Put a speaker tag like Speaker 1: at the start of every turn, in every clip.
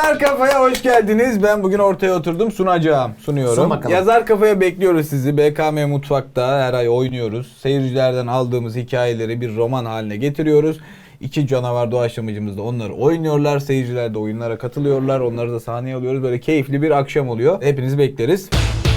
Speaker 1: Yazar Kafa'ya hoş geldiniz. Ben bugün ortaya oturdum, sunuyorum. Yazar Kafa'ya bekliyoruz sizi. BKM Mutfak'ta her ay oynuyoruz. Seyircilerden aldığımız hikayeleri bir roman haline getiriyoruz. İki canavar doğaçlamacımız da onları oynuyorlar. Seyirciler de oyunlara katılıyorlar. Onları da sahneye alıyoruz. Böyle keyifli bir akşam oluyor. Hepinizi bekleriz.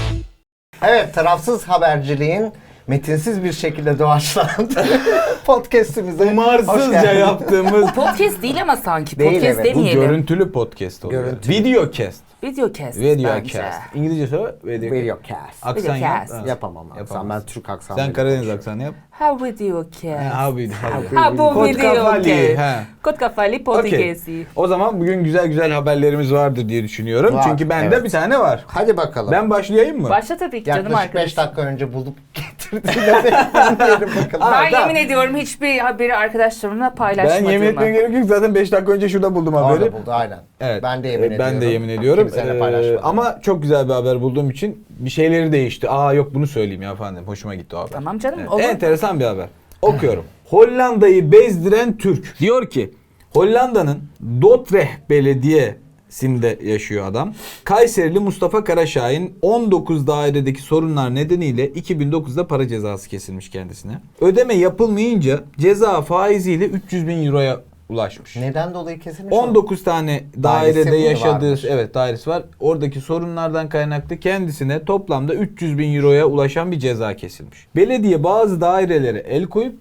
Speaker 2: Evet, tarafsız haberciliğin metinsiz bir şekilde doğaçlandığı podcast'imize
Speaker 1: Umarsızca yaptığımız
Speaker 3: Podcast değil ama sanki.
Speaker 2: Değil,
Speaker 3: Podcast
Speaker 2: evet.
Speaker 1: bu
Speaker 3: demeyelim.
Speaker 1: görüntülü podcast oluyor.
Speaker 2: Görüntülü.
Speaker 1: Videocast.
Speaker 3: Videocast.
Speaker 1: Videocast. İngilizce söyle.
Speaker 2: Videocast.
Speaker 1: Aksan yap.
Speaker 3: Videocast.
Speaker 1: Ha.
Speaker 2: Yapamam aksan.
Speaker 1: Yapamaz.
Speaker 2: Ben Türk aksanı.
Speaker 1: Sen Karadeniz aksanı yap.
Speaker 3: Ha videocast.
Speaker 1: Ha
Speaker 3: Ha bu
Speaker 1: Kod kafalı,
Speaker 3: videocast.
Speaker 1: ha.
Speaker 3: Kod kafalı podcast'i.
Speaker 1: O zaman bugün güzel güzel haberlerimiz vardır diye düşünüyorum.
Speaker 2: Var,
Speaker 1: Çünkü bende
Speaker 2: evet.
Speaker 1: bir tane var.
Speaker 2: Hadi bakalım.
Speaker 1: Ben başlayayım mı?
Speaker 3: Başla tabii ki canım
Speaker 2: Yaklaşık 5
Speaker 3: arkadaşım.
Speaker 2: dakika önce bulup getirdiğine bekleyelim bakalım.
Speaker 3: Ben
Speaker 1: tamam.
Speaker 3: yemin ediyorum hiçbir haberi arkadaşlarımla
Speaker 1: Ben
Speaker 3: paylaşmadığımı.
Speaker 1: yemin etmem gerek yok. Zaten 5 dakika önce şurada buldum haberi.
Speaker 2: Orada buldu aynen.
Speaker 1: Evet.
Speaker 2: Ben de yemin ediyorum.
Speaker 1: Ben de yemin ediyorum.
Speaker 2: Kimseyle paylaşmadım.
Speaker 1: Ama çok güzel bir haber bulduğum için bir şeyleri değişti. Aa yok bunu söyleyeyim ya efendim. Hoşuma gitti o haber.
Speaker 3: Tamam canım,
Speaker 1: Evet,
Speaker 3: olur.
Speaker 1: enteresan bir haber. Okuyorum. Hollanda'yı bezdiren Türk. Diyor ki Hollanda'nın Dordrecht Belediyesi'nde yaşıyor adam. Kayserili Mustafa Karaşahin 19 dairedeki sorunlar nedeniyle 2009'da para cezası kesilmiş kendisine. Ödeme yapılmayınca ceza faiziyle 300 bin euroya ulaşmış.
Speaker 2: Neden dolayı kesilmiş?
Speaker 1: 19 tane
Speaker 2: Dairesi
Speaker 1: dairede
Speaker 2: mi
Speaker 1: yaşadığı
Speaker 2: varmış?
Speaker 1: dairesi var. Oradaki sorunlardan kaynaklı kendisine toplamda 300 bin euroya ulaşan bir ceza kesilmiş. Belediye bazı dairelere el koyup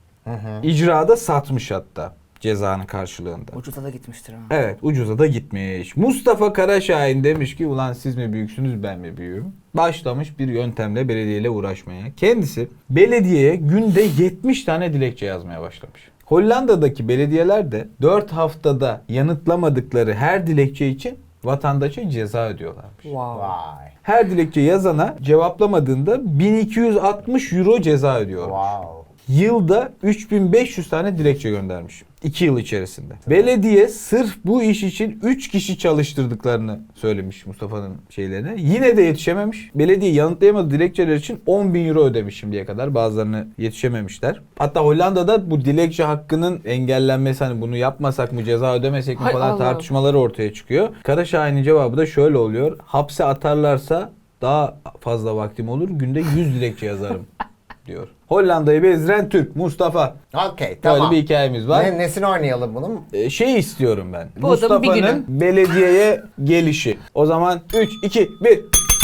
Speaker 1: icrada satmış hatta cezanın karşılığında.
Speaker 3: Ucuza da gitmiştir ha.
Speaker 1: Evet, ucuza da gitmiş. Mustafa Karaşahin demiş ki ulan siz mi büyüksünüz ben mi büyüğüm? Başlamış bir yöntemle belediyeyle uğraşmaya. Kendisi belediyeye günde 70 tane dilekçe yazmaya başlamış. Hollanda'daki belediyeler de 4 haftada yanıtlamadıkları her dilekçe için vatandaşa ceza ödüyorlarmış.
Speaker 3: Wow.
Speaker 2: Vay.
Speaker 1: Her dilekçe yazana cevaplamadığında 1260 euro ceza ödüyorlar.
Speaker 2: Wow.
Speaker 1: Yılda 3500 tane dilekçe göndermiş. 2 yıl içerisinde. Belediye sırf bu iş için 3 kişi çalıştırdıklarını söylemiş Mustafa'nın şeylerine. Yine de yetişememiş. Belediye yanıtlayamadığı dilekçeler için 10 bin euro ödemiş şimdiye kadar. Bazılarını yetişememişler. Hatta Hollanda'da bu dilekçe hakkının engellenmesi, hani bunu yapmasak mı ceza ödemesek mi
Speaker 3: Hay
Speaker 1: falan
Speaker 3: Allah.
Speaker 1: tartışmaları ortaya çıkıyor. Karaşahin'in cevabı da şöyle oluyor. Hapse atarlarsa daha fazla vaktim olur. Günde 100 dilekçe yazarım diyor. Hollanda'yı bezdiren Türk Mustafa.
Speaker 2: Okey, tamam.
Speaker 1: Böyle bir hikayemiz var.
Speaker 2: Nesini oynayalım bunun?
Speaker 1: Şey istiyorum ben.
Speaker 3: Bu adamın bir
Speaker 1: Mustafa'nın belediyeye gelişi. O zaman 3, 2, 1.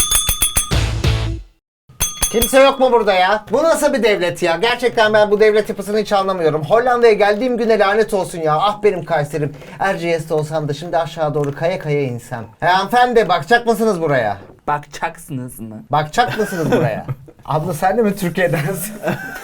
Speaker 2: Kimse yok mu burada ya? Bu nasıl bir devlet ya? Gerçekten ben bu devlet yapısını hiç anlamıyorum. Hollanda'ya geldiğim güne lanet olsun ya. Ah benim Kayserim. Erciyes'te olsam da şimdi aşağı doğru kaya kaya insem. Hanımefendi bakacak mısınız buraya?
Speaker 3: Bakacaksınız mı?
Speaker 2: Bakacak mısınız buraya? Abla sen de mi Türkiye'densin?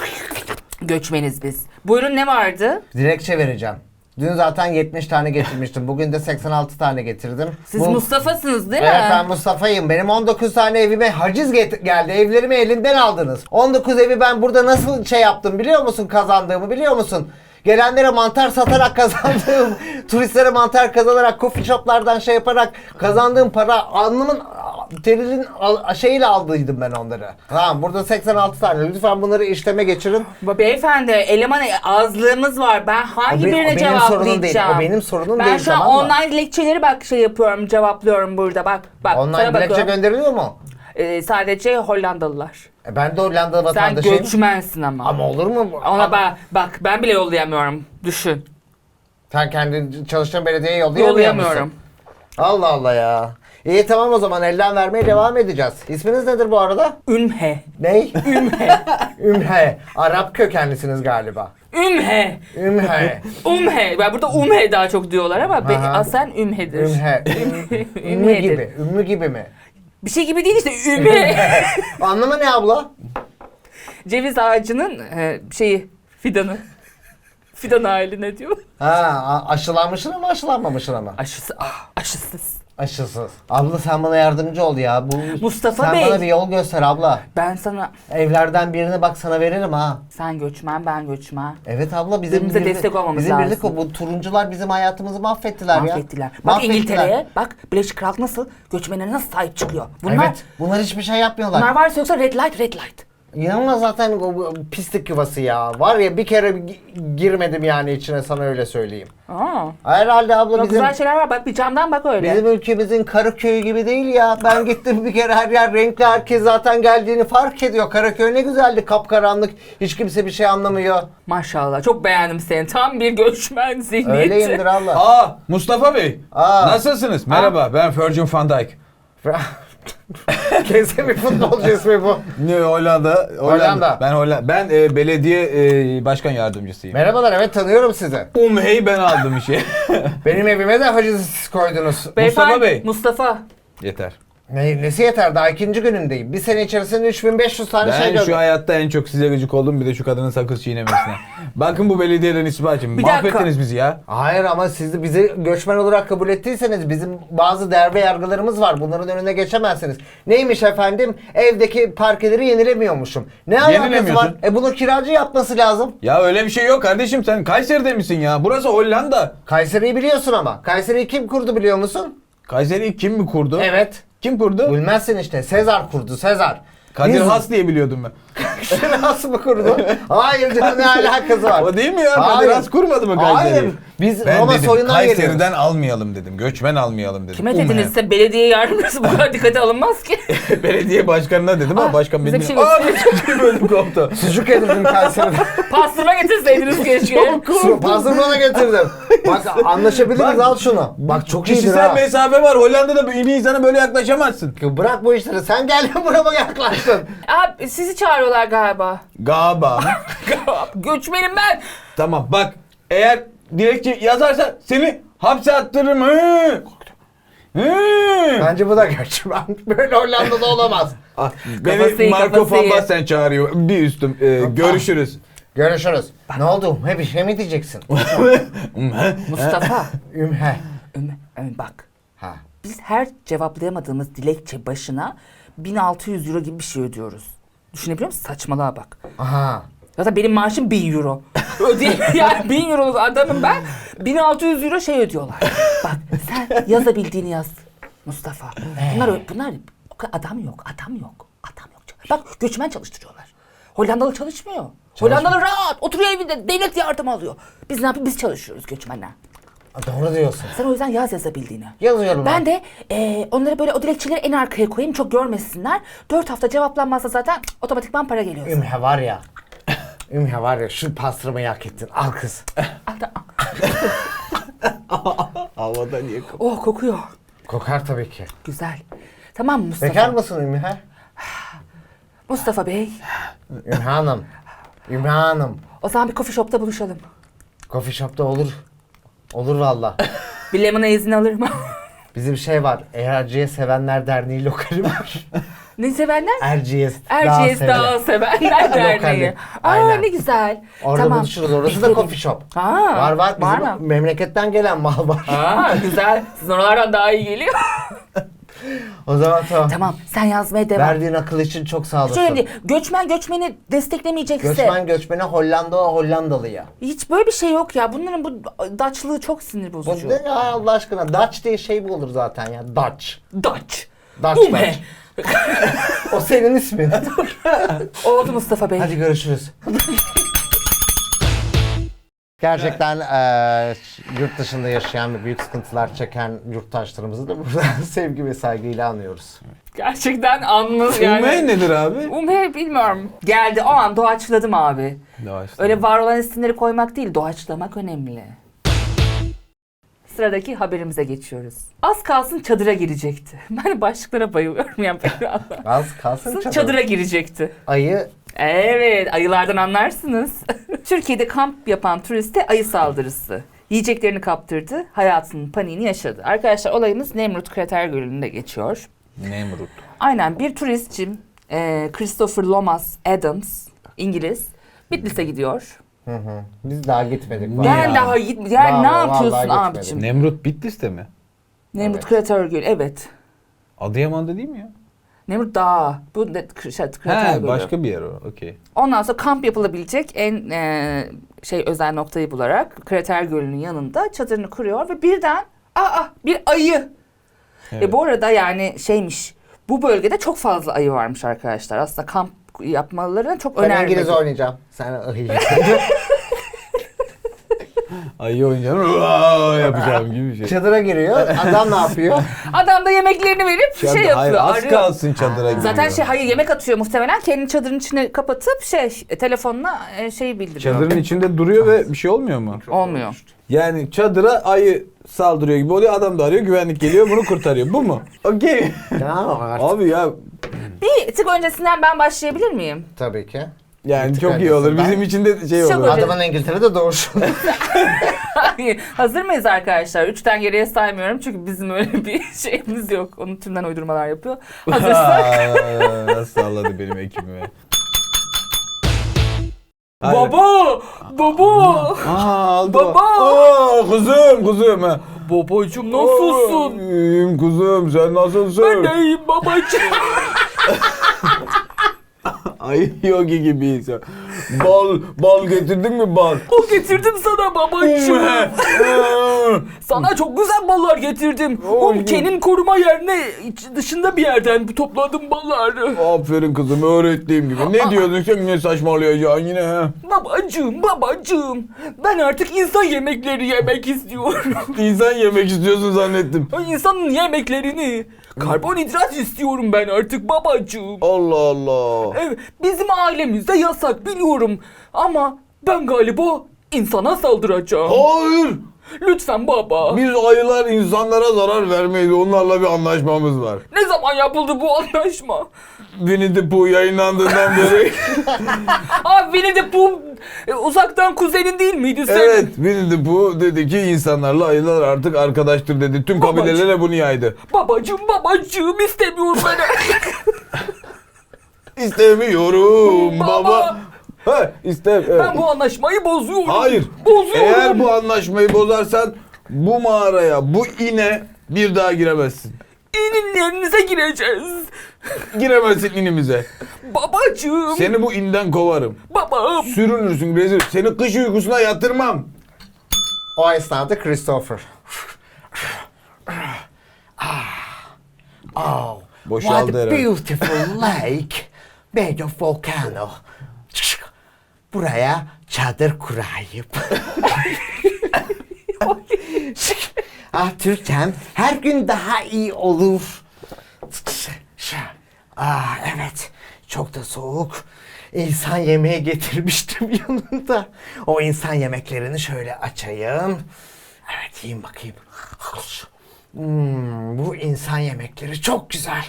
Speaker 3: Göçmeniz biz. Buyurun, ne vardı?
Speaker 2: Dilekçe vereceğim. Dün zaten 70 tane getirmiştim. Bugün de 86 tane getirdim.
Speaker 3: Siz Mustafa'sınız değil mi?
Speaker 2: Evet, ben Mustafa'yım. Benim 19 tane evime haciz geldi. Evlerimi elinden aldınız. 19 evi ben burada nasıl şey yaptım biliyor musun? Kazandığımı biliyor musun? Gelenlere mantar satarak kazandığım, turistlere mantar kazanarak, coffee shoplardan şey yaparak kazandığım para, alnımın terinin şeyiyle aldıydım ben onları. Tamam, burada 86 tane. Lütfen bunları işleme geçirin.
Speaker 3: Beyefendi, eleman azlığımız var. Ben hangi
Speaker 2: O
Speaker 3: birine
Speaker 2: benim sorunum değil.
Speaker 3: cevaplayacağım?
Speaker 2: O benim sorunum
Speaker 3: ben
Speaker 2: değil,
Speaker 3: şu an
Speaker 2: tamam mı?
Speaker 3: online dilekçeleri şey yapıyorum, cevaplıyorum burada. Bak
Speaker 2: Online
Speaker 3: sana
Speaker 2: dilekçe
Speaker 3: bakıyorum.
Speaker 2: gönderiliyor mu?
Speaker 3: Sadece Hollandalılar.
Speaker 2: Ben de Hollanda
Speaker 3: Sen
Speaker 2: vatandaşıyım.
Speaker 3: göçmensin ama.
Speaker 2: Ama olur mu?
Speaker 3: Ona bak ben bile yollayamıyorum. Düşün.
Speaker 2: Sen kendi çalıştığın belediyeye yollayamıyor musun?
Speaker 3: Yollayamıyorum.
Speaker 2: Allah Allah ya. İyi tamam, o zaman elden vermeye devam edeceğiz. İsminiz nedir bu arada?
Speaker 3: Ümhe.
Speaker 2: Ney?
Speaker 3: Ümhe.
Speaker 2: Ümhe. Arap kökenlisiniz galiba.
Speaker 3: Ümhe.
Speaker 2: Ümhe.
Speaker 3: Umhe. Ben burada umhe daha çok diyorlar ama
Speaker 2: Aha.
Speaker 3: aslen ümhedir.
Speaker 2: Ümhe. Ümmü
Speaker 3: Ümhedir.
Speaker 2: gibi. Ümmü gibi mi?
Speaker 3: Bir şey gibi değil işte ümhe.
Speaker 2: Anlamı ne abla?
Speaker 3: Ceviz ağacının fidanı. Fidan hali ne diyor?
Speaker 2: Aşılanmışsın ama aşılanmamışsın ama.
Speaker 3: Aşısız.
Speaker 2: Aşısız. Abla sen bana yardımcı ol ya.
Speaker 3: Mustafa
Speaker 2: sen
Speaker 3: Bey.
Speaker 2: bana bir yol göster abla.
Speaker 3: Ben sana,
Speaker 2: Evlerden birini bak sana veririm ha.
Speaker 3: sen göçmen ben göçmen.
Speaker 2: Evet abla,
Speaker 3: Birbirimize destek olmamız
Speaker 2: bizim
Speaker 3: lazım.
Speaker 2: birlik o. Bu turuncular bizim hayatımızı mahvettiler ya.
Speaker 3: Mahvettiler. Bak
Speaker 2: Mahvettiler.
Speaker 3: İngiltere'ye, bak Birleşik Krallık nasıl göçmenlere nasıl sahip çıkıyor. Bunlar
Speaker 2: Evet, bunlar hiçbir şey yapmıyorlar.
Speaker 3: varsa yoksa red light red light.
Speaker 2: İnanılmaz zaten o pislik yuvası ya. Var ya bir kere girmedim yani içine, sana öyle söyleyeyim.
Speaker 3: Aa.
Speaker 2: Herhalde abla
Speaker 3: Bak,
Speaker 2: bizim...
Speaker 3: güzel şeyler var. Bak bir camdan bak öyle.
Speaker 2: Bizim ülkemizin Karaköy'ü gibi değil ya. Ben gittim bir kere, her yer renkli, herkes zaten geldiğini fark ediyor. Karaköy ne güzeldi, kapkaranlık, hiç kimse bir şey anlamıyor.
Speaker 3: Maşallah çok beğendim seni. Tam bir göçmen zihniyeti.
Speaker 2: Öyleyimdir abla.
Speaker 1: Aa Mustafa Bey.
Speaker 2: Aa.
Speaker 1: Nasılsınız? Merhaba ben Virgil van Dijk.
Speaker 2: Kesin bir futbolcu ismi bu.
Speaker 1: Ne Hollanda?
Speaker 2: Hollanda.
Speaker 1: Ben belediye başkan yardımcısıyım.
Speaker 2: Merhabalar, evet tanıyorum sizi.
Speaker 1: Umhey ben aldım işi.
Speaker 2: Benim evime de haciz koydunuz.
Speaker 3: Beyefendi,
Speaker 1: Bey.
Speaker 3: Mustafa.
Speaker 1: Yeter.
Speaker 2: Nesi yeter, daha ikinci günümdeyim. Bir sene içerisinde 3500 tane şey
Speaker 1: Ben
Speaker 2: gördüm.
Speaker 1: şu hayatta en çok size gıcık oldum, bir de şu kadının sakız çiğnemesine. Bakın bu belediyeden isbacım.
Speaker 3: Bir dakika.
Speaker 1: Mahvettiniz bizi ya.
Speaker 2: Hayır ama siz de bizi göçmen olarak kabul ettiyseniz bizim bazı değer ve yargılarımız var. Bunların önüne geçemezsiniz. Neymiş efendim? Evdeki parkeleri yenilemiyormuşum. Ne alakası var?
Speaker 1: Yenilemiyorsun.
Speaker 2: Bunu kiracı yapması lazım.
Speaker 1: Ya öyle bir şey yok kardeşim, sen Kayseri'de misin ya? Burası Hollanda.
Speaker 2: Kayseri'yi biliyorsun ama. Kayseri'yi kim kurdu biliyor musun?
Speaker 1: Kayseri'yi kim mi kurdu?
Speaker 2: Evet.
Speaker 1: Kim kurdu?
Speaker 2: Bilmezsin işte. Sezar kurdu. Sezar.
Speaker 1: Kadir
Speaker 2: Biz-
Speaker 1: Has diye biliyordum ben.
Speaker 2: Has mı kurdu? Hayır canım, ne alakası var?
Speaker 1: O değil mi ya?
Speaker 2: Hayır.
Speaker 1: Kadir Has kurmadı mı Kayseri'yi?
Speaker 2: Hayır. Biz
Speaker 1: Ben
Speaker 2: Roma
Speaker 1: dedim
Speaker 2: soyundan
Speaker 1: Kayseri'den
Speaker 2: geliyoruz.
Speaker 1: almayalım dedim. Göçmen almayalım dedim.
Speaker 3: Kime
Speaker 1: Umhe.
Speaker 3: dedinizse belediye yardımcısı bu kadar dikkate alınmaz ki.
Speaker 1: Belediye başkanına dedim ama başkan
Speaker 3: bize
Speaker 1: beni...
Speaker 3: bir şey
Speaker 1: Aa, bölüm koptu.
Speaker 2: Sucuk yedirdim Kayseri'de.
Speaker 3: Pastırma getirseydiniz keşke.
Speaker 2: Pastırma da getirdim. Bak anlaşabiliriz,
Speaker 1: Bak,
Speaker 2: al şunu. Bak çok iyidir
Speaker 1: Kişisel
Speaker 2: ha.
Speaker 1: mesafe var. Hollanda'da bir insana böyle yaklaşamazsın.
Speaker 2: Bırak bu işleri. Sen gel burama yaklaştın.
Speaker 3: Abi sizi çağırıyorlar galiba.
Speaker 1: Galiba.
Speaker 3: Göçmenim ben.
Speaker 1: Tamam bak, eğer dilekçe yazarsan seni hapse attırırım. Hı. Hı.
Speaker 2: Bence bu da göçmen. Böyle Hollanda'da olamaz.
Speaker 1: Ah,
Speaker 3: Kafası
Speaker 1: beni
Speaker 3: iyi,
Speaker 1: Marco
Speaker 3: kafası
Speaker 1: van
Speaker 3: iyi.
Speaker 1: Basten çağırıyor. Bir üstüm. Görüşürüz.
Speaker 2: Görüşürüz. Ne oldu? He bir şey mi diyeceksin?
Speaker 3: Mustafa.
Speaker 2: Ümhe.
Speaker 3: Bak.
Speaker 2: Ha.
Speaker 3: Biz her cevaplayamadığımız dilekçe başına 1600 euro gibi bir şey ödüyoruz. Düşünebiliyor musun? Saçmalığa bak.
Speaker 2: Aha.
Speaker 3: Zaten benim maaşım 1000 euro. Yani 1000 euroluk adamım ben. 1600 euro şey ödüyorlar. Bak sen yazabildiğini yaz Mustafa. Bunlar adam yok. Bak göçmen çalıştırıyorlar. Hollandalı çalışmıyor. Hollandalı rahat oturuyor evinde, devlet yardımı alıyor. Biz ne yapıyoruz? Biz çalışıyoruz göçmenler.
Speaker 2: Doğru diyorsun.
Speaker 3: Sen o yüzden yazabildiğini.
Speaker 2: Yazıyorum
Speaker 3: Ben de onları böyle o dilekçeleri en arkaya koyayım, çok görmesinler. 4 hafta cevaplanmazsa zaten otomatikman para geliyor.
Speaker 2: Ümhe var ya. Ümhe var ya, şu pastırmayı hak ettin. Al kız.
Speaker 1: Havada niye
Speaker 3: Oh kokuyor.
Speaker 2: Kokar tabii ki.
Speaker 3: Güzel. Tamam mı Mustafa?
Speaker 2: Bekar mısın Ümhe?
Speaker 3: Mustafa Bey.
Speaker 2: Ümhe Hanım. Ümhe Hanım.
Speaker 3: O zaman bir coffee shop'ta buluşalım.
Speaker 2: Coffee shop'ta olur. Olur valla.
Speaker 3: Bir lemona izin alırım.
Speaker 2: Bizim şey var. Erciyes Sevenler Derneği lokali var.
Speaker 3: Ne sevenler?
Speaker 2: Erciyes
Speaker 3: Erciyes Dağı Sevenler Derneği.
Speaker 2: Lokali.
Speaker 3: Aa
Speaker 2: Aynen.
Speaker 3: ne güzel.
Speaker 2: Orada
Speaker 3: Tamam.
Speaker 2: buluşuruz. Orası da
Speaker 3: Beklerim.
Speaker 2: coffee shop.
Speaker 3: Aa,
Speaker 2: Var. Bizim
Speaker 3: var mı?
Speaker 2: memleketten gelen mal var.
Speaker 3: Aa güzel. Sizin oralardan daha iyi geliyor.
Speaker 2: O zaman tamam.
Speaker 3: Tamam sen yazmaya devam.
Speaker 2: Verdiğin akıl için çok sağ olasın.
Speaker 3: Şöyle değil. Göçmen göçmeni desteklemeyecekse.
Speaker 2: Göçmene Hollandalıya.
Speaker 3: Hiç böyle bir şey yok ya. Bunların bu Dutch'lığı çok sinir
Speaker 2: Bu
Speaker 3: bozucu.
Speaker 2: ne ya Allah aşkına? Dutch diye şey mi olur zaten ya? Dutch.
Speaker 3: Dutch.
Speaker 2: Dutch.
Speaker 3: Bu ne?
Speaker 2: O senin ismin.
Speaker 3: Oldu Mustafa Bey.
Speaker 2: Hadi görüşürüz. Gerçekten yurt dışında yaşayan ve büyük sıkıntılar çeken yurttaşlarımızı da buradan sevgi ve saygıyla anıyoruz.
Speaker 3: Gerçekten anlı yani.
Speaker 1: Umhey nedir abi?
Speaker 3: Umhe bilmiyorum. Geldi o an doğaçladım abi.
Speaker 1: Doğaçlama.
Speaker 3: Öyle var olan isimleri koymak değil, doğaçlamak önemli. Sıradaki haberimize geçiyoruz. Az kalsın çadıra girecekti. Ben başlıklara bayılıyorum ya.
Speaker 2: Az kalsın
Speaker 3: Çadıra girecekti.
Speaker 2: Ayı
Speaker 3: Evet, ayılardan anlarsınız. Türkiye'de kamp yapan turiste ayı saldırısı. Yiyeceklerini kaptırdı, hayatının paniğini yaşadı. Arkadaşlar olayımız Nemrut Krater Gölü'nde geçiyor.
Speaker 1: Nemrut.
Speaker 3: Aynen bir turistçim Christopher Lomas Adams, İngiliz, Bitlis'e gidiyor.
Speaker 2: biz daha gitmedik.
Speaker 1: Niye
Speaker 3: Ben
Speaker 1: ya?
Speaker 3: daha gitmedim. Yani ne
Speaker 2: Vallahi
Speaker 3: yapıyorsun
Speaker 2: gitmedim.
Speaker 3: abicim?
Speaker 1: Nemrut Bitlis'te mi?
Speaker 3: Nemrut
Speaker 2: Evet.
Speaker 3: Krater Gölü, evet.
Speaker 1: Adıyaman'da değil mi ya?
Speaker 3: Nemrut Dağı. Bu Krater
Speaker 1: He,
Speaker 3: Gölü.
Speaker 1: başka bir yer o. Okey.
Speaker 3: Ondan sonra kamp yapılabilecek en özel noktayı bularak Krater Gölü'nün yanında çadırını kuruyor ve birden bir ayı.
Speaker 1: Evet.
Speaker 3: Bu arada yani şeymiş, bu bölgede çok fazla ayı varmış arkadaşlar. Aslında kamp yapmalarını çok
Speaker 2: Ben
Speaker 3: önermedim.
Speaker 2: İngiliz oynayacağım. Sen
Speaker 1: Ayı oynayacağım. Yapacağım gibi bir şey.
Speaker 2: çadıra giriyor. Adam ne yapıyor?
Speaker 3: Adam da yemeklerini verip şey
Speaker 1: Hayır,
Speaker 3: yapıyor.
Speaker 1: az
Speaker 3: arıyor.
Speaker 1: kalsın çadıra giriyor.
Speaker 3: Zaten hayır yemek atıyor muhtemelen. Kendi çadırın içine kapatıp telefonla şeyi bildiriyor.
Speaker 1: Çadırın içinde duruyor ve bir şey olmuyor mu?
Speaker 3: Olmuyor.
Speaker 1: Yani çadıra ayı saldırıyor gibi oluyor. Adam da arıyor, güvenlik geliyor, bunu kurtarıyor. Bu mu? Okey.
Speaker 2: Ya artık.
Speaker 1: Abi ya
Speaker 3: Bir tık öncesinden ben başlayabilir miyim?
Speaker 2: Tabii ki.
Speaker 1: yani
Speaker 2: Bir
Speaker 1: çok
Speaker 2: tık
Speaker 1: iyi olur.
Speaker 2: öncesinden.
Speaker 1: Bizim için de şey
Speaker 3: Çok
Speaker 1: olur.
Speaker 3: öyle.
Speaker 2: Adamın İngiltere'de doğuşu.
Speaker 3: Hazır mıyız arkadaşlar? 3'ten geriye saymıyorum çünkü bizim öyle bir şeyimiz yok. Onun tümden uydurmalar yapıyor. Hazırsak.
Speaker 1: Nasıl salladı benim ekibime. Hayır.
Speaker 3: Baba! Baba!
Speaker 1: Aldı.
Speaker 3: Baba!
Speaker 1: Kuzum. Ha.
Speaker 3: Babacım nasılsın?
Speaker 1: İyiyim kuzum, sen nasılsın?
Speaker 3: Ben de iyiyim babacım.
Speaker 1: Ay yogi gibiyiz. Bal getirdin mi bal?
Speaker 3: O getirdim sana babacım. Sana çok güzel ballar getirdim.
Speaker 1: Oy.
Speaker 3: Kenim koruma yerine dışında bir yerden topladım balları.
Speaker 1: Aferin kızım, öğrettiğim gibi. Ne diyordun sen, ne saçmalayacaksın yine ha?
Speaker 3: Babacım. Ben artık insan yemekleri yemek istiyorum.
Speaker 1: İnsan yemek istiyorsun zannettim.
Speaker 3: İnsanın yemeklerini. Karbonhidrat istiyorum ben artık babacığım.
Speaker 1: Allah Allah.
Speaker 3: Evet, bizim ailemizde yasak biliyorum. Ama ben galiba insana saldıracağım.
Speaker 1: Hayır.
Speaker 3: Lütfen baba.
Speaker 1: Biz ayılar insanlara zarar vermeyiz. Onlarla bir anlaşmamız var.
Speaker 3: Ne zaman yapıldı bu anlaşma?
Speaker 1: Winnie the Pooh yayınlandığından beri.
Speaker 3: Abi Winnie the Pooh uzaktan kuzenin değil miydi senin?
Speaker 1: Evet, Winnie the Pooh dedi ki insanlarla ayılar artık arkadaştır dedi. Tüm
Speaker 3: Babacığım.
Speaker 1: kabilelere bunu yaydı.
Speaker 3: Babacığım istemiyorum ben.
Speaker 1: İstemiyorum baba.
Speaker 3: Baba.
Speaker 1: Ha, evet.
Speaker 3: Ben bu anlaşmayı bozuyorum.
Speaker 1: Hayır.
Speaker 3: Bozuyorum.
Speaker 1: Eğer bu anlaşmayı bozarsan bu mağaraya, bu ine bir daha giremezsin.
Speaker 3: İninlerinize gireceğiz.
Speaker 1: Giremezsin inimize.
Speaker 3: Babacığım.
Speaker 1: Seni bu inden kovarım.
Speaker 3: Babam.
Speaker 1: Sürünürsün rezil. Seni kış uykusuna yatırmam.
Speaker 2: O esnada Christopher. Oh,
Speaker 1: Boşaldı
Speaker 2: what a
Speaker 1: herhalde.
Speaker 2: beautiful lake. Made of volcano. Buraya çadır kurayım. Türkçem her gün daha iyi olur. Evet, çok da soğuk. İnsan yemeği getirmiştim yanında. O insan yemeklerini şöyle açayım. Evet, yiyeyim bakayım. Bu insan yemekleri çok güzel.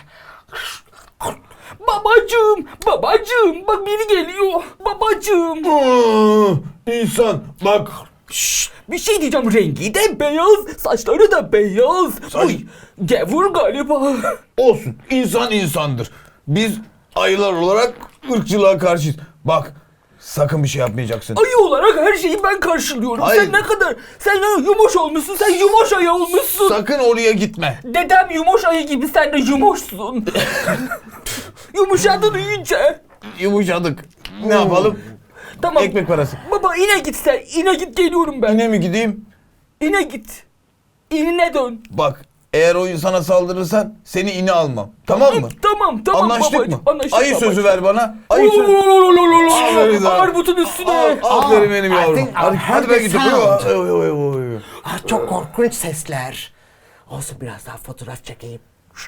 Speaker 3: Babacığım bak biri geliyor. Babacığım.
Speaker 1: İnsan bak.
Speaker 3: Bir şey diyeceğim, rengi de beyaz, saçları da beyaz. Uy, gavur galiba.
Speaker 1: Olsun. İnsan insandır. Biz ayılar olarak ırkçılığa karşıyız. Bak, sakın bir şey yapmayacaksın.
Speaker 3: Ayı olarak her şeyi ben karşılıyorum.
Speaker 1: Hayır.
Speaker 3: Sen yumuş olmuşsun, sen yumuş ayı olmuşsun.
Speaker 1: Sakın oraya gitme.
Speaker 3: Dedem yumuş ayı gibi sen de yumuşsun. Yumuşadın iyice.
Speaker 1: Yumuşadık. Ne yapalım?
Speaker 3: Tamam.
Speaker 1: Ekmek parası.
Speaker 3: Baba ine git sen, ine git geliyorum ben.
Speaker 1: Yine mi gideyim?
Speaker 3: İne git. İnine dön.
Speaker 1: Bak, eğer o insana saldırırsan seni ine almam. Tamam mı?
Speaker 3: Tamam
Speaker 1: Anlaştık
Speaker 3: babacığım,
Speaker 1: mı?
Speaker 3: anlaştık
Speaker 1: Ayı
Speaker 3: babacığım.
Speaker 1: sözü ver bana. Ayı sözü. Aferin sana.
Speaker 3: Armutun üstüne.
Speaker 1: Aferin benim
Speaker 2: I
Speaker 1: yavrum.
Speaker 2: think
Speaker 1: Hadi,
Speaker 2: I've
Speaker 1: hadi
Speaker 2: heard
Speaker 1: ben
Speaker 2: the
Speaker 1: gidiyorum.
Speaker 2: sound.
Speaker 1: Oy, oy, oy, oy.
Speaker 2: Çok korkunç sesler. Olsun, biraz daha fotoğraf çekeyim.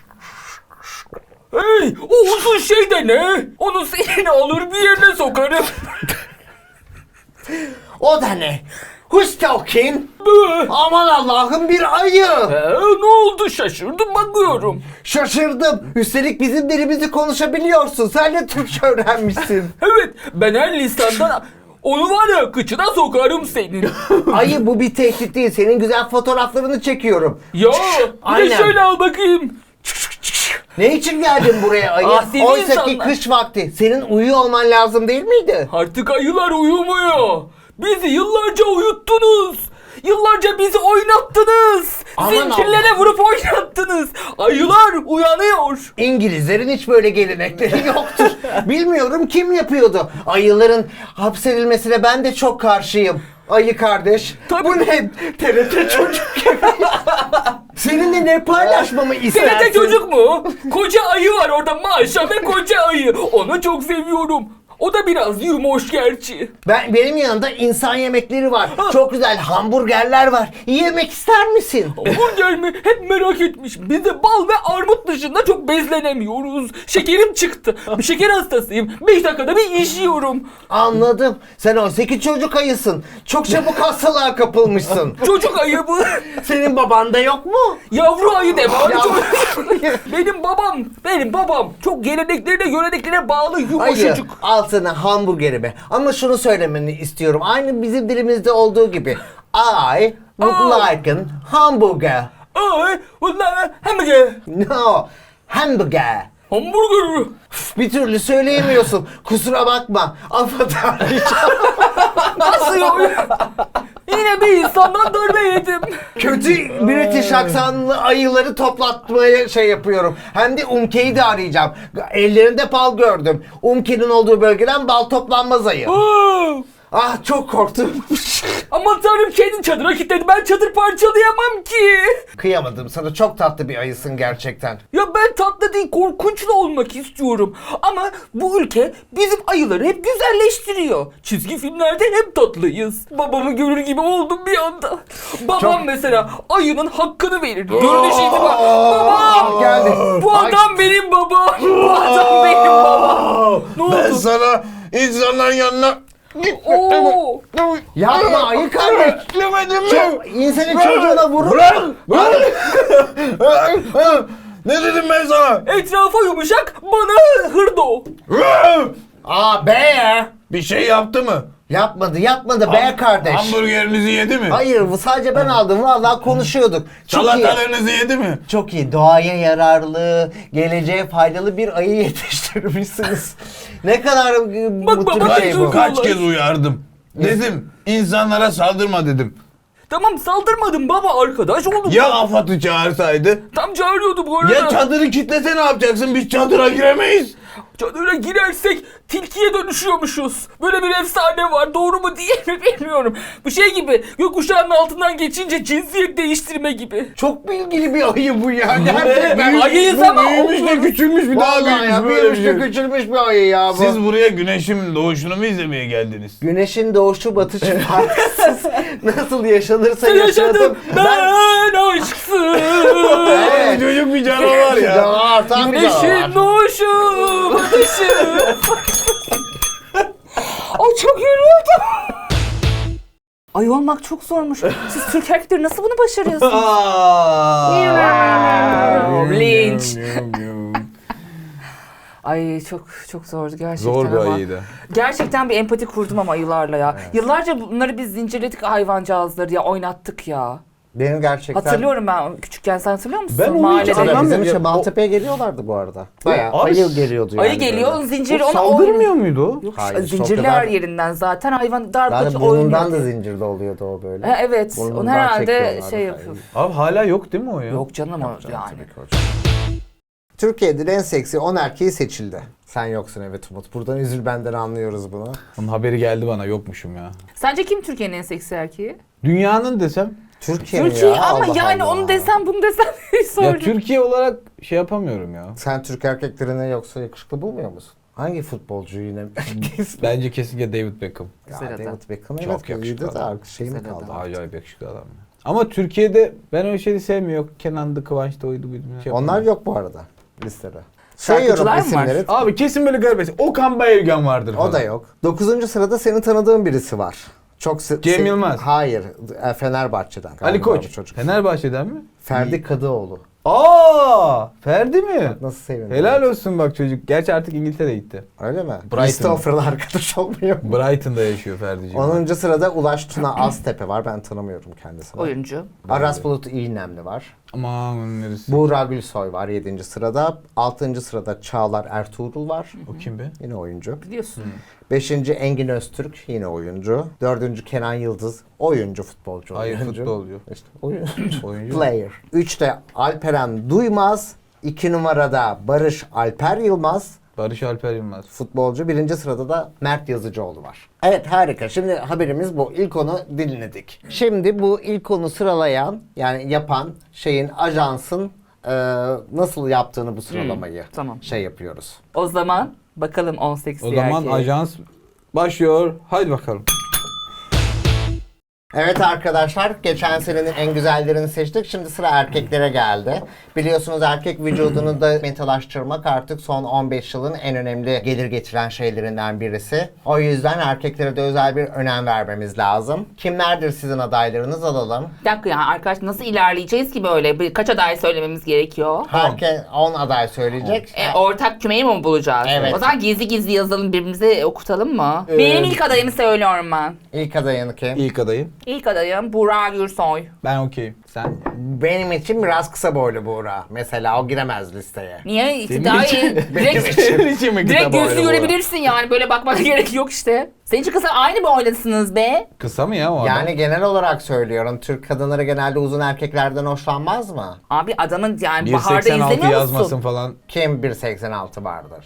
Speaker 3: Hey, o uzun şey de ne? Onu seninle alır bir yerine sokarım.
Speaker 2: O da ne? Who's talking?
Speaker 3: Bı.
Speaker 2: Aman Allah'ım, bir ayı.
Speaker 3: Ne oldu, şaşırdım bakıyorum.
Speaker 2: Şaşırdım. Üstelik bizim dilimizi konuşabiliyorsun. Sen de Türkçe öğrenmişsin.
Speaker 3: Evet, ben her lisandan onu var ya kıçına sokarım senin.
Speaker 2: Ayı, bu bir tehdit değil. Senin güzel fotoğraflarını çekiyorum.
Speaker 3: Ya bir de
Speaker 2: Aynen.
Speaker 3: şöyle al bakayım.
Speaker 2: Ne için geldin buraya ayı?
Speaker 3: Asi
Speaker 2: Oysa ki
Speaker 3: insanlar.
Speaker 2: kış vakti. Senin uyuyor olman lazım değil miydi?
Speaker 3: Artık ayılar uyumuyor. Bizi yıllarca uyuttunuz. Yıllarca bizi oynattınız.
Speaker 2: Aman
Speaker 3: Zincirlere vurup oynattınız. Ayılar uyanıyor.
Speaker 2: İngilizlerin hiç böyle gelenekleri yoktur. Bilmiyorum kim yapıyordu. Ayıların hapsedilmesine ben de çok karşıyım. Ayı kardeş.
Speaker 3: Tabii.
Speaker 2: Bu ne? TRT çocuk gibi. Seninle ne paylaşmamı istersin?
Speaker 3: TRT çocuk mu? Koca ayı var orada, Maşa ve koca ayı. Onu çok seviyorum. O da biraz yumuş gerçi.
Speaker 2: Benim yanımda insan yemekleri var. Çok güzel hamburgerler var. Yemek ister misin?
Speaker 3: Hamburger mi? Hep merak etmişim. Biz de bal ve armut dışında çok bezlenemiyoruz. Şekerim çıktı. Bir şeker hastasıyım. 5 dakikada bir iş yiyorum.
Speaker 2: Anladım. Sen 18 çocuk ayısın. Çok çabuk hastalığa kapılmışsın.
Speaker 3: Çocuk ayı bu.
Speaker 2: Senin baban da yok mu?
Speaker 3: Yavru ayı de var.
Speaker 2: Yavru
Speaker 3: Benim babam çok geleneklerine, göreneklerine bağlı
Speaker 2: Hayır.
Speaker 3: yumuşacık.
Speaker 2: Al sana hamburgerimi. Ama şunu söylemeni istiyorum. Aynı bizim dilimizde olduğu gibi. I would like a hamburger.
Speaker 3: Ay, bunlar hamburger.
Speaker 2: No. Hamburger.
Speaker 3: Hamburger.
Speaker 2: Bir türlü söyleyemiyorsun. Kusura bakma. Affedersin.
Speaker 3: Nasıl ya? Yine bir insandan darbe yedim.
Speaker 2: Kötü British aksanlı ayıları toplatmaya şey yapıyorum. Hem de Umke'yi de arayacağım. Ellerinde bal gördüm. Umke'nin olduğu bölgeden bal toplanmaz ayı. Ah çok korktum.
Speaker 3: Aman tanrım, kendin çadıra kilitledi. Ben çadır parçalayamam ki.
Speaker 2: Kıyamadım sana, çok tatlı bir ayısın gerçekten.
Speaker 3: Ya ben tatlı değil, korkunçlu olmak istiyorum. Ama bu ülke bizim ayıları hep güzelleştiriyor. Çizgi filmlerde hep tatlıyız. Babamı görür gibi oldum bir anda. Babam mesela ayının hakkını verir. Görünüş itibar. Babam!
Speaker 2: Geldi.
Speaker 3: Bu adam benim babam. Bu adam benim babam. Ne
Speaker 4: Ben
Speaker 3: oldu?
Speaker 4: sana insanların yanına
Speaker 3: Oo!
Speaker 2: Yapma ayı kardeş.
Speaker 4: demedim mi?
Speaker 2: İnsanın çocuğuna vurur.
Speaker 4: Ne dedim ben sana?
Speaker 3: Etrafa yumuşak, bana hırdo.
Speaker 2: Aa be.
Speaker 4: Bir şey yaptı mı?
Speaker 2: Yapmadı be kardeş.
Speaker 4: Hamburgerinizi yedi mi?
Speaker 2: Hayır, bu sadece ben aldım. Vallahi konuşuyorduk. Çok iyi.
Speaker 4: Salatalarınızı yedi mi?
Speaker 2: Çok iyi. Doğaya yararlı, geleceğe faydalı bir ayı yetiştirmişsiniz. Ne kadar mutlu bir
Speaker 3: bak,
Speaker 2: şey bu.
Speaker 4: Kaç kez uyardım. Dedim insanlara saldırma dedim.
Speaker 3: Tamam, saldırmadım baba, arkadaş olduk.
Speaker 4: Ya AFAD'ı çağırsaydı?
Speaker 3: Tam çağırıyordu bu arada.
Speaker 4: Ya çadırı kilitlese ne yapacaksın? Biz çadıra giremeyiz.
Speaker 3: Çadıra girersek tilkiye dönüşüyormuşuz. Böyle bir efsane var. Doğru mu değil mi bilmiyorum. Bu şey gibi, gökkuşağının altından geçince cinsiyet değiştirme gibi.
Speaker 2: Çok bilgili bir ayı bu ya. Gerçekten.
Speaker 3: Ayıyız ama
Speaker 4: Büyümüş de küçülmüş bir daha
Speaker 2: Vallahi ya,
Speaker 4: büyümüş böyle
Speaker 2: büyümüş
Speaker 4: bir
Speaker 2: de
Speaker 4: şey.
Speaker 2: küçülmüş bir ayı ya bu.
Speaker 4: Siz buraya güneşin doğuşunu mu izlemeye geldiniz?
Speaker 2: Güneşin doğuşu batışı farksız. Nasıl yaşanırsa
Speaker 3: Sen yaşadın,
Speaker 2: yaşadım.
Speaker 3: ben aşksın.
Speaker 2: Evet.
Speaker 4: Çocuk bir canavar ya.
Speaker 2: Canavar, tam bir
Speaker 3: Güneşin
Speaker 2: canavar.
Speaker 3: doğuşu, batışı. Ay çok yoruldum. Ay olmak çok zormuş. Siz Türk erkekleri nasıl bunu başarıyorsunuz? Linç. Ay çok zordu gerçekten
Speaker 1: Zor bir
Speaker 3: ama.
Speaker 1: ayıydı.
Speaker 3: Gerçekten bir empati kurdum ama ayılarla ya. Yıllarca bunları biz zincirledik, hayvancağızları ya, oynattık ya.
Speaker 2: Benim gerçekten...
Speaker 3: Hatırlıyorum ben küçükken, sen hatırlıyor musun?
Speaker 1: Ben onu hiç
Speaker 3: Mahallede.
Speaker 1: anlamıyorum.
Speaker 2: Bizim işte
Speaker 1: Ya,
Speaker 2: Maltepe'ye geliyorlardı bu arada. Bayağı
Speaker 1: Abi,
Speaker 2: ayı geliyordu yani.
Speaker 3: Ayı geliyor,
Speaker 2: böyle.
Speaker 3: zinciri
Speaker 1: O
Speaker 3: ona
Speaker 1: saldırmıyor muydu o?
Speaker 3: Yok,
Speaker 2: Hayır,
Speaker 3: zincirli
Speaker 2: çok kadar-
Speaker 3: her yerinden zaten hayvan darbacı
Speaker 2: Zaten burnundan
Speaker 3: oynuyor.
Speaker 2: da zincirde oluyordu o böyle.
Speaker 3: Ha, evet,
Speaker 2: Burnundan
Speaker 3: onu herhalde
Speaker 2: çekiyorlardı
Speaker 3: şey
Speaker 2: falan.
Speaker 3: yapıyor.
Speaker 1: Abi hala yok değil mi o ya?
Speaker 3: Yok canım o
Speaker 2: Canım,
Speaker 3: yani.
Speaker 2: tabii ki hocam. Türkiye'de en seksi 10 erkeği seçildi. Sen yoksun, evet Umut. Buradan üzül benden, anlıyoruz bunu.
Speaker 1: Onun haberi geldi bana, yokmuşum ya.
Speaker 3: Sence kim Türkiye'nin en seksi erkeği?
Speaker 1: Dünyanın desem.
Speaker 2: Türkiye,
Speaker 3: Türkiye
Speaker 2: ya,
Speaker 3: ama
Speaker 2: Allah
Speaker 3: yani
Speaker 2: Allah.
Speaker 3: onu desem bunu desem
Speaker 1: Ya
Speaker 3: sorun.
Speaker 1: Türkiye olarak şey yapamıyorum ya.
Speaker 2: Sen Türk erkeklerini yoksa yakışıklı bulmuyor musun? Hangi futbolcu yine?
Speaker 1: Bence kesinlikle David Beckham.
Speaker 2: Ya
Speaker 3: Güzel adam.
Speaker 2: David Beckham
Speaker 1: Çok
Speaker 2: evet
Speaker 1: yakışıklı
Speaker 2: iyiydi de
Speaker 1: adam.
Speaker 2: şey mi
Speaker 3: Güzel
Speaker 2: kaldı?
Speaker 3: adam.
Speaker 1: Acayip yakışıklı adam ya. Ama Türkiye'de ben öyle şeyi sevmiyorum. Kenan'dı, Kıvanç'ta oydu buydu. Şey
Speaker 2: Onlar
Speaker 1: yapamıyorum.
Speaker 2: yok bu arada listede.
Speaker 3: Şarkıcılar
Speaker 2: Sayıyorum
Speaker 3: mı var?
Speaker 2: isimleri.
Speaker 1: Abi kesin böyle garip. Okan Bayülgen vardır falan.
Speaker 2: O da yok. 9. sırada senin tanıdığın birisi var. Çok
Speaker 1: Cem Yılmaz.
Speaker 2: Hayır. Fenerbahçe'den.
Speaker 1: Ali
Speaker 2: galiba
Speaker 1: Koç.
Speaker 2: bu çocuk.
Speaker 1: Fenerbahçe'den mi?
Speaker 2: Ferdi Kadıoğlu.
Speaker 1: Aa, Ferdi mi?
Speaker 2: Nasıl sevindim.
Speaker 1: Helal olsun bak çocuk. Gerçi artık İngiltere'ye gitti.
Speaker 2: Öyle mi?
Speaker 1: Brighton.
Speaker 2: Christopher'la arkadaş olmuyor mu?
Speaker 1: Brighton'da yaşıyor Ferdi'ciğim.
Speaker 2: 10. sırada Ulaş Tuna Aztepe var. Ben tanımıyorum kendisini.
Speaker 3: Oyuncu.
Speaker 2: Aras Bulut İğnemli var.
Speaker 1: Aman neresi?
Speaker 2: Buğra Gülsoy var 7. sırada. 6. sırada Çağlar Ertuğrul var.
Speaker 1: O kim be?
Speaker 2: Yine oyuncu.
Speaker 3: Biliyorsun.
Speaker 2: 5. Engin Öztürk yine oyuncu. 4. Kenan Yıldız oyuncu, futbolcu.
Speaker 1: Hayır,
Speaker 2: oyuncu.
Speaker 1: futbolcu.
Speaker 2: İşte oyuncu.
Speaker 1: Oyuncu.
Speaker 2: Player. 3'te Alperen Duymaz. 2 numarada Barış Alper Yılmaz.
Speaker 1: Barış Alper Yılmaz.
Speaker 2: Futbolcu. Birinci sırada da Mert Yazıcıoğlu var. Evet, harika. Şimdi haberimiz bu. İlk onu dinledik. Şimdi bu ilk onu sıralayan, yani yapan şeyin, ajansın nasıl yaptığını, bu sıralamayı
Speaker 3: tamam.
Speaker 2: şey yapıyoruz.
Speaker 3: O zaman bakalım 18
Speaker 1: O zaman ajans başlıyor. Haydi bakalım.
Speaker 2: Evet arkadaşlar, geçen senenin en güzellerini seçtik. Şimdi sıra erkeklere geldi. Biliyorsunuz erkek vücudunu da metalaştırmak artık son 15 yılın en önemli gelir getiren şeylerinden birisi. O yüzden erkeklere de özel bir önem vermemiz lazım. Kimlerdir sizin adaylarınız, alalım.
Speaker 3: Bir dakika ya arkadaş, nasıl ilerleyeceğiz ki böyle? Kaç aday söylememiz gerekiyor?
Speaker 2: Herkes 10 aday söyleyecek.
Speaker 3: Ortak kümeyi mi bulacağız?
Speaker 2: Evet.
Speaker 3: O zaman gizli gizli yazalım, birbirimize okutalım mı? Benim ilk adayımı söylüyorum ben.
Speaker 2: İlk adayını kim?
Speaker 1: İlk adayım.
Speaker 3: İlk adayım Burak Gürsoy.
Speaker 1: Ben okeyim. Sen?
Speaker 2: Benim için biraz kısa boylu Buğra. Mesela o giremez listeye.
Speaker 3: Niye?
Speaker 1: Senin
Speaker 3: Daha
Speaker 1: için-
Speaker 3: iyi. Direkt,
Speaker 1: Senin için mi
Speaker 3: direkt
Speaker 1: kısa boylu
Speaker 3: gözlü
Speaker 1: bu?
Speaker 3: görebilirsin yani. Böyle bakmana gerek yok işte. Senin için kısa aynı boydasınız be.
Speaker 1: Kısa mı ya o adam?
Speaker 2: Yani genel olarak söylüyorum. Türk kadınları genelde uzun erkeklerden hoşlanmaz mı?
Speaker 3: Abi adamın yani baharda
Speaker 1: 1.86
Speaker 3: izlemiyor
Speaker 1: yazmasın
Speaker 3: musun?
Speaker 1: falan.
Speaker 2: Kim 1.86 vardır?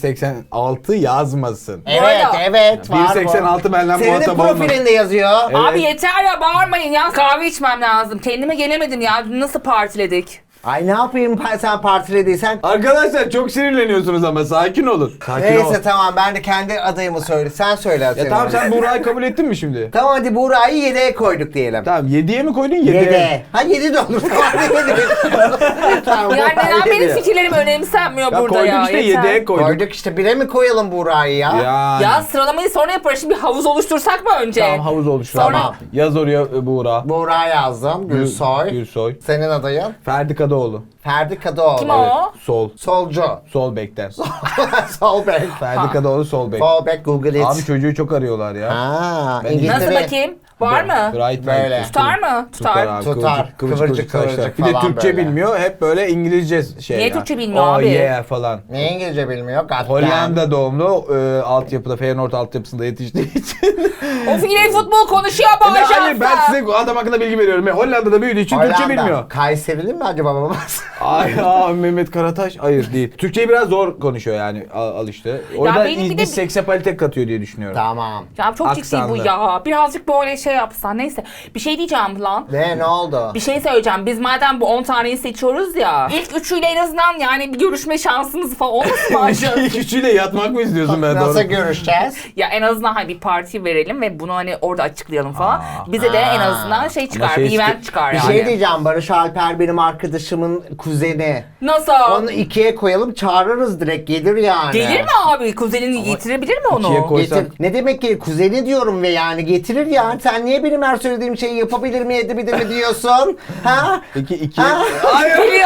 Speaker 1: 1.86 yazmasın.
Speaker 2: Evet,
Speaker 3: arada-
Speaker 2: evet var.
Speaker 1: 1.86 benimle
Speaker 2: Senin de
Speaker 1: muhatap olma.
Speaker 2: profilinde yazıyor.
Speaker 1: Evet.
Speaker 3: Abi yeter ya, bağırmayın ya. Kahve içmem lazım. Kendime gelemedim ya. Nasıl partiledik?
Speaker 2: Ay ne yapayım, sen partilediysen.
Speaker 1: Arkadaşlar çok sinirleniyorsunuz ama sakin olun. Sakin ol.
Speaker 2: Neyse tamam, ben de kendi adayımı söyle. Sen söyle.
Speaker 1: Ya tamam, sen Buğra'yı kabul ettin mi şimdi?
Speaker 2: Tamam hadi Buğra'yı 7'ye koyduk diyelim.
Speaker 1: Tamam 7'ye mi koydun 7'ye?
Speaker 2: 7'ye. Ha 7 de olur. Tamam 7. Tamam,
Speaker 3: Yani
Speaker 2: Buğra'yı
Speaker 3: neden benim
Speaker 2: yediye.
Speaker 3: fikirlerim önemsenmiyor
Speaker 1: Ya
Speaker 3: burada
Speaker 1: koyduk
Speaker 3: ya?
Speaker 1: işte
Speaker 3: Yeter.
Speaker 1: 7'ye koyduk.
Speaker 2: Koyduk işte, 1'e mi koyalım Buğra'yı ya?
Speaker 1: Yani.
Speaker 3: Ya sıralamayı sonra yaparız. Şimdi bir havuz oluştursak mı önce?
Speaker 1: Tamam, havuz oluştu.
Speaker 2: Tamam.
Speaker 1: Yaz oraya Buğra.
Speaker 2: Buğra yazdım. Gülsoy.
Speaker 1: Gülsoy.
Speaker 2: Senin adayın?
Speaker 1: Ferdi Kadıoğlu.
Speaker 2: Ferdi Kadıoğlu.
Speaker 3: Kim o?
Speaker 1: Sol.
Speaker 2: Solcu.
Speaker 1: Sol bekten.
Speaker 2: Sol bek.
Speaker 1: Ferdi Kadıoğlu sol bek.
Speaker 2: Sol bek, Google it.
Speaker 1: Abi çocuğu çok arıyorlar ya.
Speaker 2: Ha,
Speaker 1: Ben-
Speaker 2: İngiltere.
Speaker 3: Nasıl bakayım? Var mı?
Speaker 1: Right,
Speaker 2: Böyle.
Speaker 1: right.
Speaker 3: Tutar mı? Tutar.
Speaker 1: abi.
Speaker 2: Tutar. Kıvırcık
Speaker 1: saçlar.
Speaker 2: kıvırcık
Speaker 1: Bir de
Speaker 2: falan
Speaker 1: Türkçe
Speaker 2: böyle.
Speaker 1: bilmiyor. Hep böyle İngilizce şey.
Speaker 3: Niye
Speaker 1: ya.
Speaker 3: Türkçe bilmiyor
Speaker 1: Oh
Speaker 3: abi?
Speaker 1: yeah falan.
Speaker 2: Ne İngilizce bilmiyor? Goddamn.
Speaker 1: Hollanda doğumlu, altyapıda, Feyenoord altyapısında yetiştiği için.
Speaker 3: Of, yine futbol konuşuyor bu
Speaker 1: Hayır,
Speaker 3: ajansa.
Speaker 1: ben size o adam hakkında bilgi veriyorum. Hollanda'da büyüdüğü için Türkçe
Speaker 2: Hollanda.
Speaker 1: bilmiyor.
Speaker 2: Kayserili mi acaba babası?
Speaker 1: Ay ya Mehmet Karataş. Hayır değil. Türkçeyi biraz zor konuşuyor yani, al işte. O yüzden
Speaker 3: benim bir de-
Speaker 1: seksapalitet katıyor diye düşünüyorum.
Speaker 2: Tamam.
Speaker 3: Ya çok ciddi bu
Speaker 1: Aksanlı.
Speaker 3: ya. Birazcık böyle şey yapsan. Neyse. Bir şey diyeceğim lan.
Speaker 2: Ne oldu?
Speaker 3: Bir şey söyleyeceğim. Biz madem bu 10 taneyi seçiyoruz ya. İlk üçüyle en azından yani bir görüşme şansımız falan olmasın mı acaba?
Speaker 1: İlk üçüyle yatmak mı istiyorsun ben
Speaker 2: Nasıl
Speaker 1: doğru?
Speaker 2: görüşeceğiz?
Speaker 3: Ya en azından hani bir parti verelim ve bunu hani orada açıklayalım falan. Bize de en azından şey çıkar,
Speaker 1: şey
Speaker 3: bir event
Speaker 1: çık-
Speaker 3: çıkar
Speaker 2: Bir
Speaker 3: yani.
Speaker 2: şey diyeceğim. Barış Alper benim arkadaşımın kuzeni.
Speaker 3: Nasıl?
Speaker 2: Onu 2'ye koyalım, çağırırız direkt, gelir yani.
Speaker 3: Gelir mi abi? Kuzenini getirebilir mi onu?
Speaker 1: ikiye koy-
Speaker 2: Getir. Ne demek ki kuzeni diyorum ve yani getirir yani. Sen niye benim her söylediğim şeyi yapabilir mi edebilir mi diyorsun? Ha?
Speaker 1: İki.
Speaker 2: Ha?
Speaker 1: Hayır.
Speaker 3: Geliyor.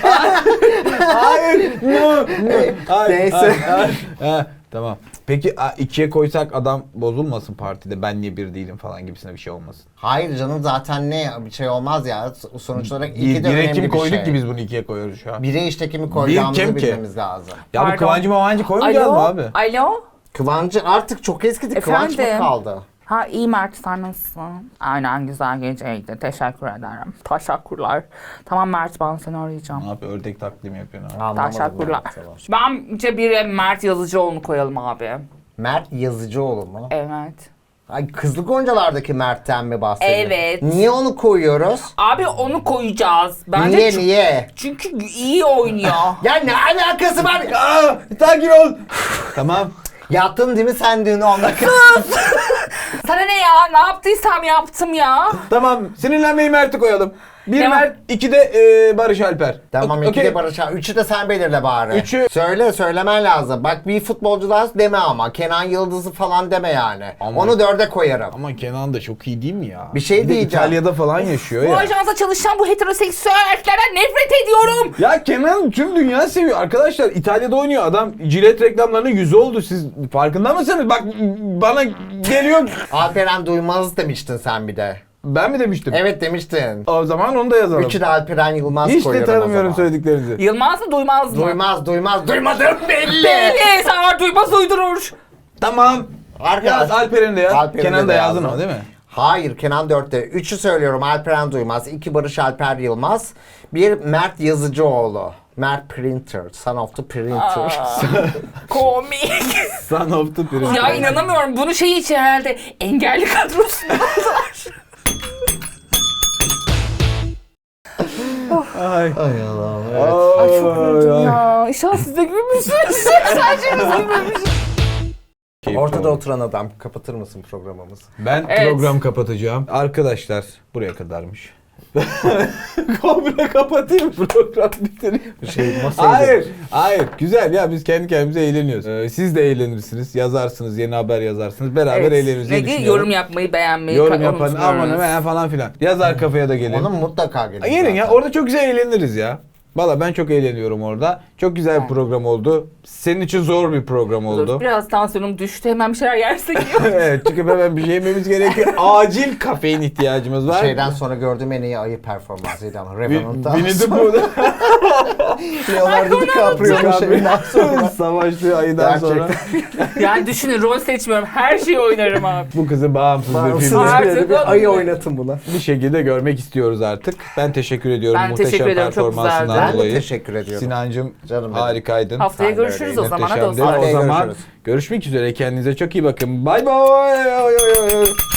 Speaker 1: Hayır. No. Hayır,
Speaker 2: Neyse.
Speaker 1: hayır. Ha, tamam. Peki ikiye koysak adam bozulmasın partide, ben niye bir değilim falan gibisine bir şey olmasın.
Speaker 2: Hayır canım, zaten ne bir şey olmaz ya. Sonuç olarak iki de
Speaker 1: Bire
Speaker 2: önemli
Speaker 1: kimi
Speaker 2: bir
Speaker 1: koyduk
Speaker 2: şey.
Speaker 1: ki biz bunu ikiye koyuyoruz şu an.
Speaker 2: Bire işte kimi koyacağımızı
Speaker 1: kim ki?
Speaker 2: bilmemiz lazım.
Speaker 1: Ya bu
Speaker 3: Pardon.
Speaker 1: Kıvancı Mavancı koymayacağız mı abi?
Speaker 3: Alo?
Speaker 2: Kıvancı artık çok eskidi. Kıvanç mı
Speaker 3: Efendim?
Speaker 2: kaldı?
Speaker 3: Ha iyi Mert, sen nasılsın? Aynen, güzel geceydi. Teşekkür ederim. Teşekkürler. Tamam Mert, ben seni arayacağım.
Speaker 1: Ne yapıyor? Ördek taklidi mi yapıyorsun abi?
Speaker 2: Anlamadım
Speaker 3: Teşekkürler.
Speaker 2: ben mesela.
Speaker 3: Bence bir Mert Yazıcıoğlu'nu koyalım abi.
Speaker 2: Mert Yazıcıoğlu mu?
Speaker 3: Evet.
Speaker 2: Ay, Kızlı Goncalar'daki Mert'ten mi bahsediyorsun?
Speaker 3: Evet.
Speaker 2: Niye onu koyuyoruz?
Speaker 3: Abi onu koyacağız. Bence
Speaker 2: Niye niye?
Speaker 3: Çünkü iyi oynuyor.
Speaker 2: Ya ne alakası var?
Speaker 1: Aa, sakin ol. Tamam.
Speaker 2: Yattın değil mi sen dün 10 dakika?
Speaker 3: Sana ne ya? Ne yaptıysam yaptım ya.
Speaker 1: Tamam. Sinirlenmeyi Mert'i koyalım. Bir
Speaker 3: Tamam.
Speaker 1: Mert, iki de Barış Alper.
Speaker 2: Tamam,
Speaker 1: Okey.
Speaker 2: iki de Barış Alper. Üçü de sen belirle bari.
Speaker 1: Üçü-
Speaker 2: Söylemen lazım. Bak bir futbolcular deme ama. Kenan Yıldız'ı falan deme yani.
Speaker 1: Ama-
Speaker 2: Onu 4'e koyarım.
Speaker 1: Ama Kenan da çok iyi değil mi ya?
Speaker 2: Bir şey
Speaker 1: de
Speaker 2: diyeceğim.
Speaker 1: İtalya'da falan yaşıyor
Speaker 3: Bu
Speaker 1: ya.
Speaker 3: ajansa çalışan bu heteroseksüel erkeklerden nefret ediyorum.
Speaker 1: Ya Kenan tüm dünya seviyor. Arkadaşlar İtalya'da oynuyor adam. Jilet reklamlarının yüzü oldu. Siz farkında mısınız? Bak bana geliyor.
Speaker 2: Alperen Duymaz demiştin sen bir de.
Speaker 1: Ben mi demiştim?
Speaker 2: Evet demiştin.
Speaker 1: O zaman onu da yazalım.
Speaker 2: Üçü de Alperen Yılmaz
Speaker 1: Hiç de
Speaker 2: koyuyorum o
Speaker 1: tanımıyorum
Speaker 2: zaman.
Speaker 1: söylediklerinizi.
Speaker 3: Yılmaz mı duymaz mı?
Speaker 2: Duymadım belli.
Speaker 3: Belli. Sen duymaz uydurur.
Speaker 1: Tamam. Yaz Alper'in de yaz.
Speaker 2: Alper'in
Speaker 1: Kenan
Speaker 2: de
Speaker 1: da yazdın
Speaker 2: yazdım.
Speaker 1: ama değil mi?
Speaker 2: Hayır, Kenan 4'te. 3'ü söylüyorum, Alperen Duymaz. 2 Barış Alper Yılmaz. 1 Mert Yazıcıoğlu. Mert Printer. Son of the Printer.
Speaker 3: Komik.
Speaker 1: Son of the Prince.
Speaker 3: Ya inanamıyorum. Bunu şey için herhalde engelli kadrosunda aldılar.
Speaker 1: Ay.
Speaker 2: Ay Allah'ım. Evet.
Speaker 3: Ay çok güldüm ya. İnşallah siz de gülmüşsünüz. Sadece biz gülmemişiz.
Speaker 2: Ortada oturan adam, kapatır mısın programımızı?
Speaker 1: Ben
Speaker 3: Evet.
Speaker 1: program kapatacağım. Arkadaşlar buraya kadarmış. Komple kapatayım program bitireyim. Hayır. Güzel ya, biz kendi kendimize eğleniyoruz. Siz de eğlenirsiniz. Yazarsınız, yeni haber yazarsınız. Beraber eğleniriz diye
Speaker 3: Ve
Speaker 1: düşünüyorum.
Speaker 3: yorum yapmayı, beğenmeyi
Speaker 1: Yorum yapan
Speaker 3: unutmuyoruz.
Speaker 1: aman hemen falan filan. Yazar kafaya da gelin.
Speaker 2: Onun mutlaka gelin.
Speaker 1: Gelin ya,
Speaker 2: zaten.
Speaker 1: orada çok güzel eğleniriz ya. Valla ben çok eğleniyorum orada. Çok güzel bir program oldu. Senin için zor bir program oldu.
Speaker 3: Biraz tansiyonum düştü. Hemen bir şeyler yersek iyi olur.
Speaker 1: Evet, çünkü hemen bir şey yememiz gerekiyor. Acil kafein ihtiyacımız var.
Speaker 2: Şeyden sonra gördüğüm en iyi ayı performansıydı ama Revenant'ta.
Speaker 1: Winnie the Pooh'da
Speaker 2: Leonardo DiCaprio'nun şeyinden sonra.
Speaker 1: savaştığı ayıdan sonra
Speaker 3: Yani düşünün, rol seçmiyorum. Her şeyi oynarım abi.
Speaker 1: bu kızı bağımsız bir
Speaker 2: Bağımsız
Speaker 1: filmde
Speaker 3: Artık
Speaker 2: bir ayı
Speaker 3: olmuyor.
Speaker 2: oynatın buna.
Speaker 1: bir şekilde görmek istiyoruz artık. Ben teşekkür ediyorum
Speaker 3: Ben
Speaker 1: muhteşem
Speaker 3: teşekkür ediyorum, çok
Speaker 1: performansından
Speaker 3: güzeldi.
Speaker 2: Ben de
Speaker 1: dolayı.
Speaker 2: teşekkür ediyorum.
Speaker 1: Sinancım
Speaker 2: Canım benim.
Speaker 1: harikaydın.
Speaker 3: Haftaya
Speaker 2: Sen de
Speaker 3: görüşürüz o
Speaker 2: öyle.
Speaker 3: zaman. Hadi o
Speaker 1: Muhteşemdi.
Speaker 3: zaman.
Speaker 1: O zaman
Speaker 2: Görüşürüz.
Speaker 1: görüşmek üzere. Kendinize çok iyi bakın. Bay bay.